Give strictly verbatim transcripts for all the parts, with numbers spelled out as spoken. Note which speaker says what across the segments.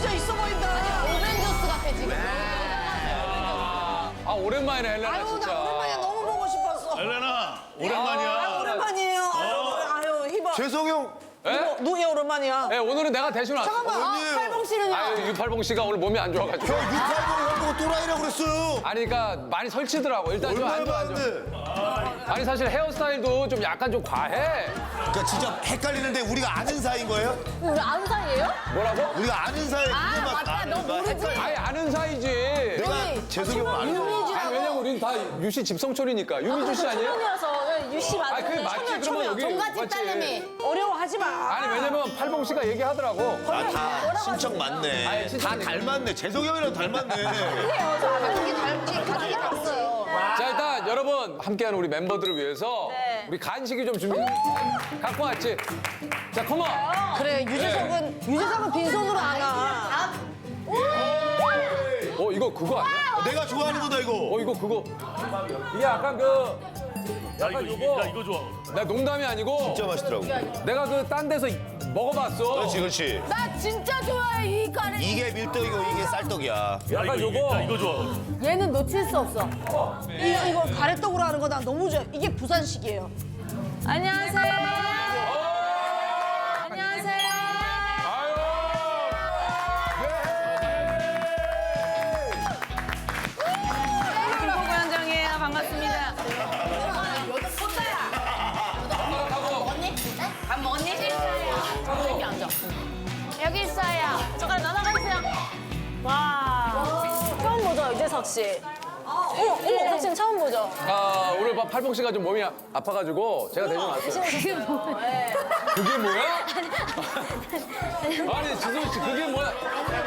Speaker 1: 진짜 있어 보인다.
Speaker 2: 오벤져스 같아 지금.
Speaker 3: 아 오랜만이네 헬레나
Speaker 1: 아유,
Speaker 3: 진짜.
Speaker 1: 나 오랜만에 너무 보고 싶었어.
Speaker 4: 헬레나 오랜만이야.
Speaker 1: 아, 오랜만이에요. 아유, 희바.
Speaker 4: 재성 형.
Speaker 3: 예?
Speaker 1: 누구야, 오랜만이야.
Speaker 3: 네, 오늘은 내가 대신 왔어.
Speaker 1: 잠깐만, 아,
Speaker 4: 언니.
Speaker 1: 팔봉 씨는요?
Speaker 3: 아유 유팔봉 씨가 오늘 몸이 안 좋아가지고.
Speaker 4: 저 유팔봉 형 보고 또라이라고 그랬어요.
Speaker 3: 아니 그러니까 많이 설치더라고. 일단 좀 안
Speaker 4: 얼마나
Speaker 3: 좋아 안 좋아.
Speaker 4: 많은데.
Speaker 3: 아니 사실 헤어스타일도 좀 약간 좀 과해.
Speaker 4: 그러니까 진짜 헷갈리는데 우리가 아는 사이인 거예요?
Speaker 2: 우리 아는 사이예요?
Speaker 3: 뭐라고?
Speaker 4: 우리가 아는 사이.
Speaker 2: 아,
Speaker 4: 그거만
Speaker 2: 맞다.
Speaker 4: 아는
Speaker 2: 너
Speaker 4: 거
Speaker 2: 모르지?
Speaker 4: 헷갈려.
Speaker 3: 아니 아는 사이지.
Speaker 4: 내가 재성이 형 아는 거.
Speaker 3: 아니 왜냐면 우린 다 유씨 집성촌이니까. 유미주 씨 아니에요?
Speaker 2: 천연이라서 유씨
Speaker 3: 아니
Speaker 2: 맞는데.
Speaker 3: 그게 맞지. 그러면 여기
Speaker 2: 종갓집
Speaker 3: 맞지.
Speaker 2: 딸내미.
Speaker 1: 어려워하지 마.
Speaker 3: 아니 왜냐면 팔봉 씨가 얘기하더라고.
Speaker 4: 아, 다 신청 맞네.
Speaker 3: 아니, 신청
Speaker 4: 다 닮았네. 재성이 형이랑 닮았네.
Speaker 2: 그래요. 저 가족이 닮지. 가족이 닮았어요.
Speaker 3: 자 일단 여러분 함께하는 우리 멤버들을 위해서
Speaker 2: 네.
Speaker 3: 우리 간식이 좀 준비 갖고 왔지. 자 컴온.
Speaker 1: 그래, 유재석은, 유재석은 빈손으로 안 와.
Speaker 3: 어 이거 그거 아니야?
Speaker 4: 내가 좋아하는 거다 이거.
Speaker 3: 어 이거 그거. 이게 약간 그.
Speaker 5: 야 이거
Speaker 3: 요거.
Speaker 5: 나 이거 좋아.
Speaker 3: 나 농담이 아니고
Speaker 4: 진짜 맛있더라고.
Speaker 3: 내가 그 딴 데서 먹어봤어.
Speaker 4: 그렇지 그렇지.
Speaker 2: 나 진짜 좋아해 이 카레.
Speaker 4: 이게 밀떡이고 이게 쌀떡이야.
Speaker 5: 야
Speaker 3: 약간
Speaker 5: 이거
Speaker 3: 요거.
Speaker 5: 나 이거 좋아.
Speaker 2: 얘는 놓칠 수 없어.
Speaker 1: 이거, 이거 가래떡으로 하는 거 난 너무 좋아. 이게 부산식이에요.
Speaker 2: 안녕하세요. 안녕하세요.
Speaker 3: 아유.
Speaker 2: 김포구 현장이에요. 반갑습니다. 밥 먹었니? 여기 앉아. 여기 있어요. 젓가락 나눠가주세요. 와. 처음 보죠, 유재석 씨. 어머, 어머, 유재석 씨는 처음 보죠.
Speaker 3: 아 오늘 봐 팔봉 씨가 좀 몸이 아- 아파가지고 제가 대신 왔어요.
Speaker 2: 그게 뭐예요?
Speaker 3: 그게 뭐야? 아니 지선 씨 그게 뭐야?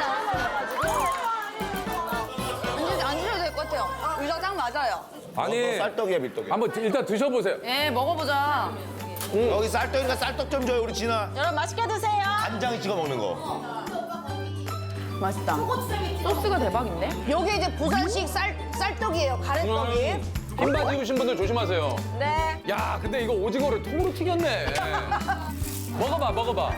Speaker 2: 앉으셔도 될 것 같아요. 유자 짱 맞아요.
Speaker 3: 아니
Speaker 4: 쌀떡이야 밀떡이야.
Speaker 3: 한번 일단 드셔보세요.
Speaker 2: 예, 먹어보자.
Speaker 4: 여기 쌀떡이니까 쌀떡 좀 줘요 우리 진아.
Speaker 2: 여러분 맛있게 드세요.
Speaker 4: 간장 찍어 먹는 거.
Speaker 2: 맛있다. 소스가 대박인데?
Speaker 1: 요게 이제 부산식 쌀, 쌀떡이에요, 가래떡이.
Speaker 3: 흰 바지 입으신 분들 조심하세요.
Speaker 2: 네.
Speaker 3: 야 근데 이거 오징어를 통으로 튀겼네. 먹어봐 먹어봐.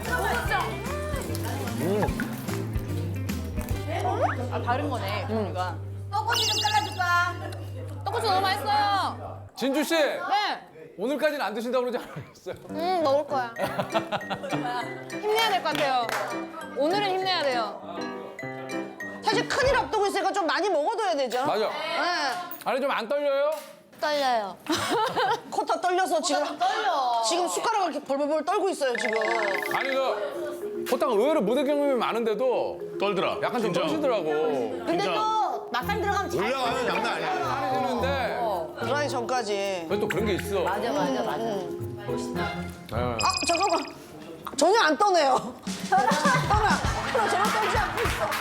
Speaker 2: 아, 다른 거네, 종류가. 떡꼬치 좀 잘라줄까? 떡꼬치 너무 맛있어요.
Speaker 3: 진주 씨
Speaker 2: 네.
Speaker 3: 오늘까지는 안 드신다고 그러지 않았어요?
Speaker 2: 음, 먹을 거야. 힘내야 될 것 같아요. 오늘은 힘내야 돼요.
Speaker 1: 사실 큰일 앞두고 있으니까 좀 많이 먹어둬야 되죠.
Speaker 3: 맞아.
Speaker 1: 네.
Speaker 3: 아니 좀 안 떨려요?
Speaker 2: 떨려요.
Speaker 1: 코 다 떨려서 지금.
Speaker 2: 떨려.
Speaker 1: 지금 숟가락을 이렇게 벌벌벌 떨고 있어요, 지금.
Speaker 3: 아니 그 호탕 의외로 무대 경험이 많은데도
Speaker 5: 떨더라.
Speaker 3: 약간 좀
Speaker 5: 진짜.
Speaker 3: 떨시더라고.
Speaker 2: 근데 또 막상 들어가면 잘
Speaker 4: 올라가면 장난 아니야.
Speaker 3: 떨리는데
Speaker 1: 들어가기 전까지.
Speaker 3: 왜 또 그런 게 있어?
Speaker 2: 맞아, 맞아, 맞아.
Speaker 3: 네.
Speaker 1: 아, 잠깐만. 전혀 안 떠네요. 현아, 현아, 전혀 떨지 않고 있어.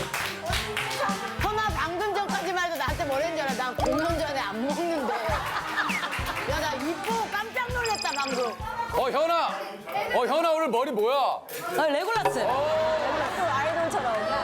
Speaker 2: 현아 방금 전까지만 해도 나한테 뭐랬는 줄 알아? 난 공연 전에 안 먹는데. 야, 나 이쁘고 깜짝 놀랐다, 방금.
Speaker 3: 어 현아, 어 현아 오늘 머리 뭐야?
Speaker 2: 아, 레골라스.
Speaker 1: 또 아이돌처럼.